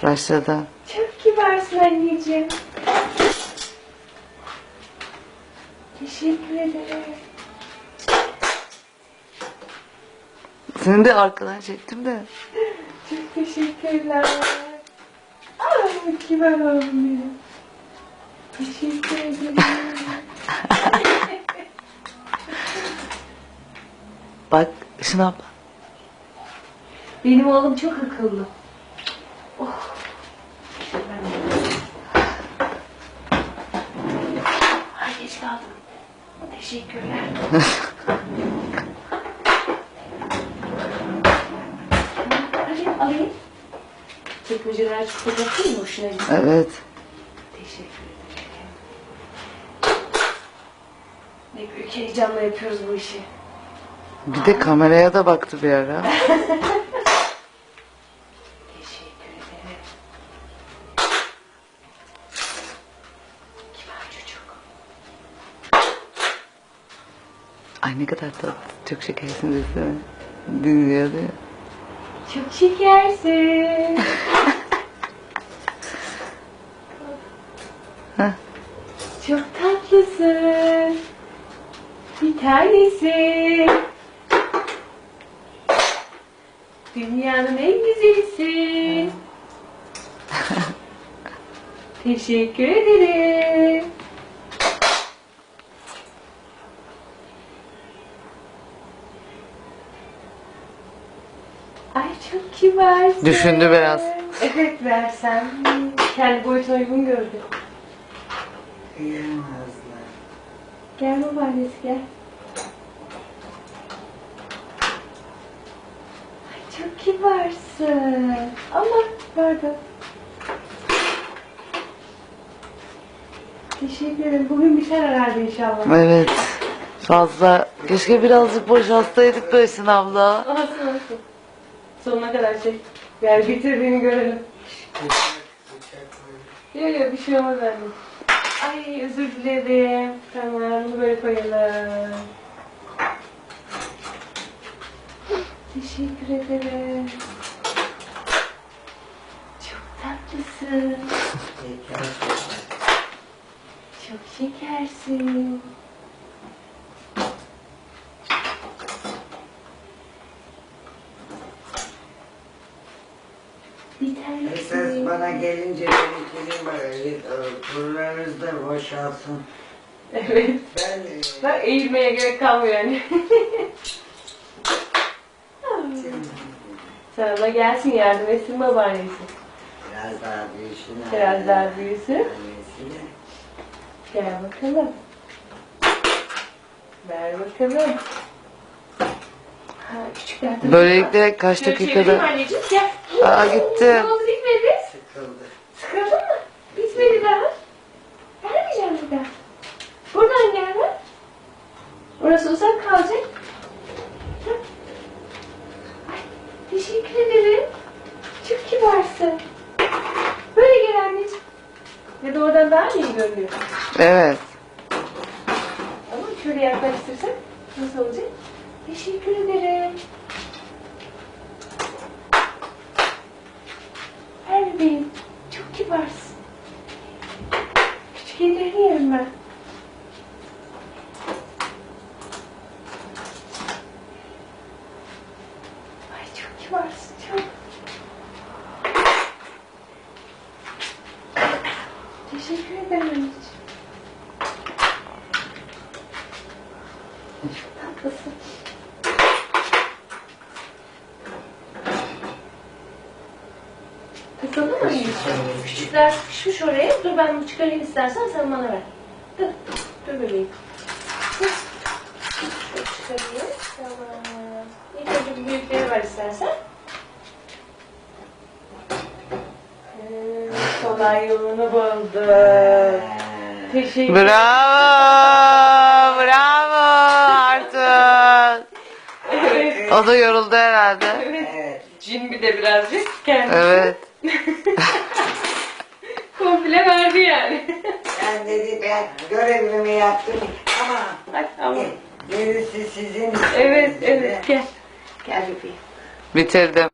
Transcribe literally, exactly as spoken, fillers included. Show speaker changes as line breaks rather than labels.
Başladı.
Çok kibarsın anneciğim. Teşekkür ederim.
Seni de arkadan çektim de.
Çok teşekkürler. Aa, kibar oldum benim. Teşekkür ederim.
Bak Işın abla.
Benim oğlum çok akıllı. Oh. Ay geç kaldım. Teşekkürler. Hadi alayım. Çekmeceler çok kapatayım mı? Hoşuna gitti.
Evet.
Teşekkür ederim. Ne büyük heyecanla yapıyoruz bu işi.
Bir de kameraya da baktı bir ara.
Teşekkür ederim. Kibar çocuk.
Ay ne kadar tatlı. Çok şekersin desene. Dinliyordu ya.
Çok şekersin.
Heh.
Çok tatlısın. Bir tanesi. Dünyanın en güzelisin. Teşekkür ederim. Ay çok kibarsın.
Düşündü biraz.
Evet versem. Kendi boyutuna uygun gördü. Gel babaannesi gel. Ay çok kibarsın. Ama pardon. Teşekkür ederim. Bugün biter herhalde inşallah.
Evet. Fazla. Keşke birazcık boşaltsaydık da Işın abla.
Olsun olsun. Sonuna kadar çek. Gel bitirdiğini görelim. Yok yok bir şey olmaz anne. Ay özür dilerim. Tamam bunu böyle koyalım. Teşekkür ederim. Çok tatlısın. Çok şekersin. Bir
Esas
tanesi.
bana gelince benimkinin böyle kurularınız da boşalsın.
Evet.
Ben
Bak eğilmeye gerek kalmıyor yani. Sana da gelsin yardım etsin babaannesi.
biraz daha büyüsün.
Biraz daha büyüsün.
Annesiyle.
Gel bakalım. Ver bakalım. Ha, küçükler tabii.
Böylelikle kaç
Şöyle çevireyim
dakikada...
anneciğim gel.
Aa gitti.
Ne oldu bitmedi?
Sıkıldı.
Sıkıldın mı? Bitmedi daha. Vermeyeceğim bir daha. Buradan gel ver. Orası uzak kalacak. Hı. Ay, teşekkür ederim. Çok kibarsın. Böyle gel anneciğim. Ya da oradan daha mı iyi görünüyor?
Evet.
Ama şöyle yaklaştırsak nasıl olacak? Teşekkür ederim. Ver bebeğim. Çok kibarsın. Küçük ellerini yerim ben. Ay çok kibarsın çok. Teşekkür ederim anneciğim. Çok tatlısın. Takıldı mı anneciğim? Küçükler sıkışmış oraya. Dur ben bu çıkarayım istersen sen bana ver. Dur. Dur bebeğim. Dur. Şöyle çıkarayım. Tamam. İlk önce bu büyükleri ver istersen. Hmm, kolay yolunu buldu. Teşekkür ederim.
Bravo. Bravo Artun.
Evet.
O da yoruldu herhalde.
Evet. Cin bir de birazcık kendisi.
Evet.
Komple verdi yani.
Ben dedi ben görevimi yaptım ama
Hadi ama.
gerisi sizin.
Evet evet gel. Gel bebeğim.
Bitirdim.